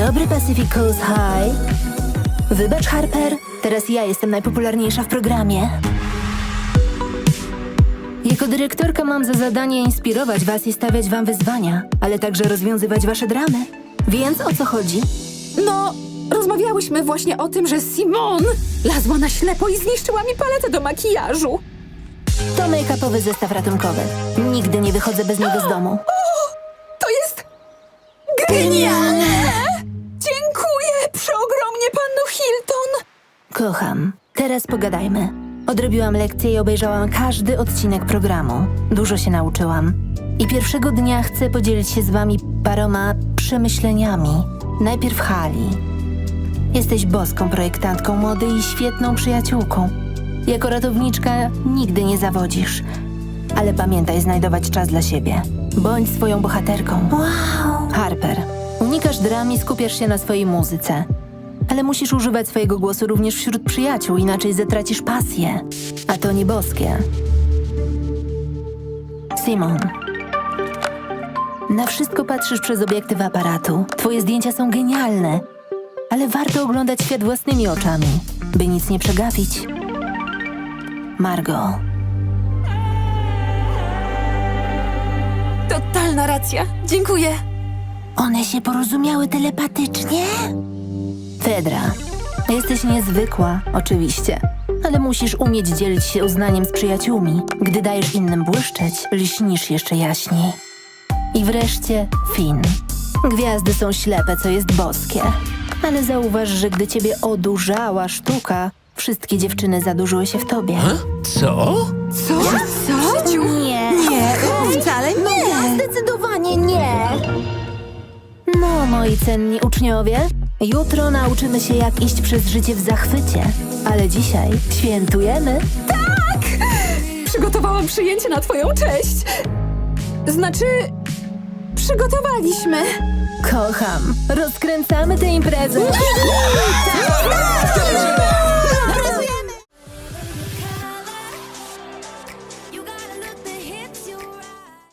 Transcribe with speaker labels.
Speaker 1: dobry, Pacific Coast High. Wybacz, Harper, teraz ja jestem najpopularniejsza w programie. Jako dyrektorka mam za zadanie inspirować was i stawiać wam wyzwania, ale także rozwiązywać wasze dramy. Więc o co chodzi?
Speaker 2: No, rozmawiałyśmy właśnie o tym, że Simone lazła na ślepo i zniszczyła mi paletę do makijażu.
Speaker 1: To make-upowy zestaw ratunkowy. Nigdy nie wychodzę bez niego z domu.
Speaker 2: To jest genialne! Dziękuję przeogromnie, panno Hilton.
Speaker 1: Kocham. Teraz pogadajmy. Odrobiłam lekcję i obejrzałam każdy odcinek programu. Dużo się nauczyłam. I pierwszego dnia chcę podzielić się z wami paroma przemyśleniami. Najpierw Hali. Jesteś boską projektantką mody i świetną przyjaciółką. Jako ratowniczka nigdy nie zawodzisz. Ale pamiętaj znajdować czas dla siebie. Bądź swoją bohaterką. Wow! Harper, unikasz dram i skupiasz się na swojej muzyce. Ale musisz używać swojego głosu również wśród przyjaciół, inaczej zatracisz pasję. A to nie boskie. Simon. Na wszystko patrzysz przez obiektyw aparatu. Twoje zdjęcia są genialne. Ale warto oglądać świat własnymi oczami, by nic nie przegapić. Margo.
Speaker 2: Totalna racja. Dziękuję.
Speaker 1: One się porozumiały telepatycznie? Fedra, jesteś niezwykła, oczywiście, ale musisz umieć dzielić się uznaniem z przyjaciółmi. Gdy dajesz innym błyszczeć, lśnisz jeszcze jaśniej. I wreszcie Finn. Gwiazdy są ślepe, co jest boskie. Ale zauważ, że gdy ciebie odurzała sztuka, wszystkie dziewczyny zadurzyły się w tobie.
Speaker 3: Co?
Speaker 2: Co? Co? W życiu?
Speaker 1: Nie.
Speaker 2: Nie, wcale nie.
Speaker 1: Zdecydowanie nie. No, moi cenni uczniowie, jutro nauczymy się, jak iść przez życie w zachwycie. Ale dzisiaj świętujemy.
Speaker 2: Przygotowałam przyjęcie na twoją cześć. Znaczy, przygotowaliśmy.
Speaker 1: Kocham. Rozkręcamy tę imprezę.